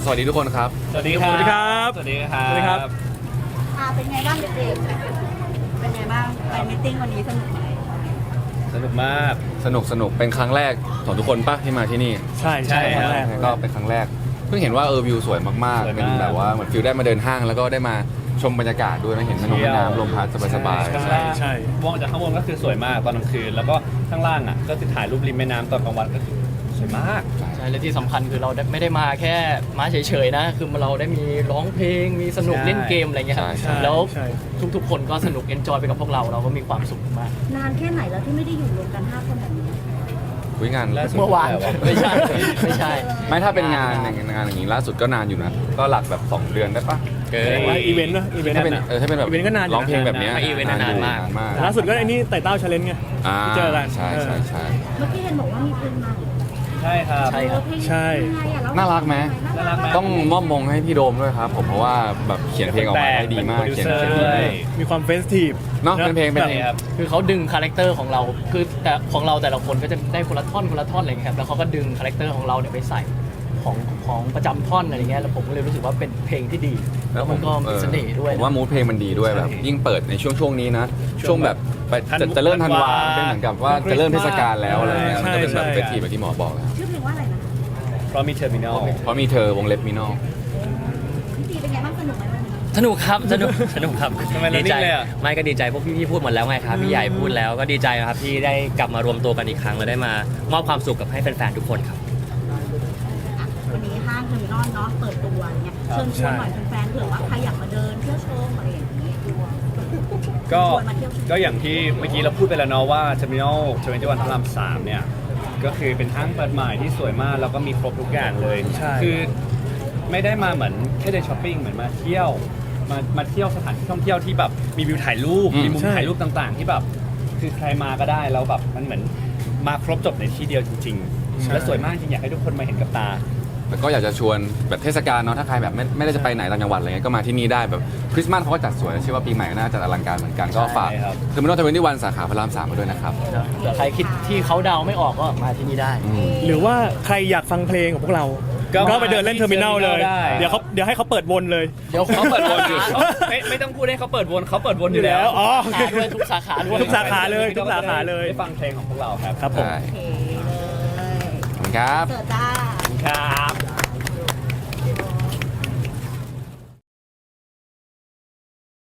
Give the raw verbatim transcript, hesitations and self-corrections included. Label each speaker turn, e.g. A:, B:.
A: สวัสดีทุกคนครับ
B: สวัสดีครับ
C: สวัสดีครับ
B: สวัสดีครับ
D: อ่าเป็นไงบ้างเด็กๆเป็นไงบ้างไปมิทติ้งวันนี้สนุกไหม
B: สนุกมาก
A: สนุกสนุกเป็นครั้งแรกของทุกคนปะที่มาที่นี่
C: ใช่ใช่
B: ใช่
C: ครั้งแรก
A: ก็เป็นครั้งแรกเพิ่งเห็นว่าเออวิวสวยมาก
B: สวย
A: ๆ
B: มาก
A: เป็นแบบว่าเหมือนฟิลได้มาเดินห้างแล้วก็ได้มาชมบรรยากาศด้วยนะเห็นแม่น้ำแม่น้ำลมพัดสบาย
B: ข้าง
A: ๆ
B: ล่าง
C: ใช่
B: มองจากข้างบนก็คือสวยมากตอนกลางคืนแล้วก็ข้างล่างอ่ะก็คือถ่ายรูปริมแม่น้ำตอนกลางวันก็คือสวยมาก
E: ใช่และที่สำคัญคือเราไม่ได้มาแค่มาเฉยๆนะ คือเราได้มีร้องเพลงมีสนุก
B: ใช่
E: เล่นเกมอะไรเงี้ยครับ
A: ใช่
E: แล้ว
C: ใช่
E: ทุกๆ คนก็สนุกเอนจอยไปกับพวกเราเราก็มีความสุขมาก
D: นานแค่ไหนแล้วที่ไม่ได้อยู่รวมกันห้าคนแบบนี้
A: คุยงาน
B: ล่าสุด
E: เมื่อวานไม่ใช่ไม่ใช่
A: ไม่ถ้าเป็นงานอย่างงานอย่างนี้ล่าสุดก็นานอยู่นะก็หลักแบบสองเดือนได้ปะเกิน
C: แต่ว่าอีเวนต์นะอีเวนต์
A: ถ้าเป็น
C: นะ
A: เออถ้าเป็นแบบ
C: อีเวนต์ก็นานอยู่
A: ร้องเพลงแบบเนี้ย
E: อีเวนต์นานมาก
A: นานมาก
C: ล่าสุดก็ไอ้นี่ไต่เต้าชาเลนจ์ไง
A: อ่า
C: ที่เจอกัน
A: ใช่ใช่ใช่
D: เมื่อกี้เห็นบอกว่ามีเพลงใหม่
B: ใช่ครับ
E: ใช่ครับ
D: เออเพลง
C: ใช่
D: ยังไงอะเล่
A: น่ารักไหม
B: น่ารักไหม
A: ต้องมอบมงให้พี่โดมด้วยครับผมเพราะว่าแบบเขียนเพลงออกมาได้ดีมาก
B: เป็น
A: เขียน
B: โปรดิว
A: เขียน
B: เซอร์
A: ดี
B: ด้วย
A: มาก
C: มีความเฟสทีฟ
A: เนาะเป็นเพลงเป็นเพลง
B: ใช่ครับ
E: คือเขาดึงคาแรคเตอร์ของเรา คือแต่ของเราแต่ละคนก็จะได้คนละท่อนคนละท่อนอะไรเงี้ยครับแล้วเขาก็ดึงคาแรคเตอร์ของเราเนี่ยไปใส่ของของประจำท่อนอะไรเงี้ยแล้วผมก็เลยรู้สึกว่าเป็นเพลงที่ดี แล้วมันก็มีเสน่ห์ด้วย
A: ผมว่ามูดเพลงมันดีด้วยแบบ
B: ใช่
A: ยิ่งเปิดในช่วงช่วงนี้นะ ช่วงแบบไป
B: ธัน
A: จะจะเริ่มธันวา
B: ธันวา
A: เป็นเหมือนกับว่าจะเริ่มเทศกาลแล้วอะไรเงี้ย
C: ใช่
A: มันก็เป็นแบบ
C: ใช่
A: เฟสทีฟแบบที่หมอบอกแล้ว
D: ชื่อเพลงว่าอะไรนะ
B: เพราะมีเทอร์มินอล
A: เพราะมีเธอวงเล็บมินอล
D: พี่ตีเป็นไงบ้างสนุกไหมวันนี้
F: สนุกครับสนุกสนุกครับ
B: ทำไมเรา
F: ดีใจ
B: นิ่งเลยอะ
F: ไม่ก็ดีใจพวกพี่ๆพูดหมดแล้วไงครับพี่ใหญ่พูดแล้วก็ดีใจครับที่ได้กลับมารวมตัวกันอีกครั้งและได้มามอบความสุขกับให้แฟนๆทุกคนครับ
D: อ่ะวันนี้ห้างเทอร์มินอลเนาะเปิดตัวเนี่ยเชิญชวนหน่อยแฟนๆเผื่อว่าใครอยากมาเดินเที่ยวชมอะไรอย่างนี้
B: ก็
D: ชวนมาเที่ยวชม
B: ก็อย่างที่เมื่อกี้เราพูดไปแล้วเนาะว่า Terminal ทเวนตี้วันพระรามสามเนี่ยก็คือเป็นห้างเปิดใหม่ที่สวยมากแล้วก็มีครบทุกอย่างเลย
C: ใช่
B: คือไม่ได้มาเหมือนแค่เดินช้อปปิ้งเหมือนมาเที่ยวมามาเที่ยวสถานที่ท่องเที่ยวที่แบบมีวิวถ่ายรูป
A: อืม
B: มีมุม
C: ใช่
B: ถ่ายรูปต่างๆ ที่แบบคือใครมาก็ได้แล้วแบบมันเหมือนมาครบจบในที่เดียวจริงๆและสวยมากจริงอยากให้ทุกคนมาเห็นกับตา
A: แล้วก็อยากจะชวนแบบเทศกาลเนาะถ้าใครแบบไม่ไม่ได้จะไปไหนต่างจังหวัดอะไรเงี้ยก็มาที่นี่ได้แบบคริสต์มาสเขาก็จัดสวยเชื่อว่าปีใหม่ก็น่าจะอลังการเหมือนกันก็ฝาก
B: ใช่ครับ
A: เทอร์มินอลทเวนตี้วันสาขาพระรามสามมาด้วยนะครับ
E: เผื่อใครคิดที่เขาเดาไม่ออกก็มาที่นี่ได้
A: อืม
C: หรือว่าใครอยากฟังเพลงของพวกเรา
B: ก็
C: ก็ไปเดินเล่นเทอร์มินอลเลย
B: ได้
C: เดี๋ยวเขาเดี๋ยวให้เขาเปิดวนเลย
E: เดี๋ยว
B: เขาเปิดวนอยู่เขาไม่ไม่ต้องพูดให้เขาเปิดวนเขาเปิดวนอยู่แล้ว
C: อ๋อ
E: สาขาด้วยทุกสาขาด้วย
C: ทุกสาขาเลยทุกสาขาเลย
B: ได้ฟังเพลงของพวกเราครับ
C: ครับผม
A: ใช่
D: โอเคเลย
A: ขอบคุณครับ
D: เสิร์ฟจ้า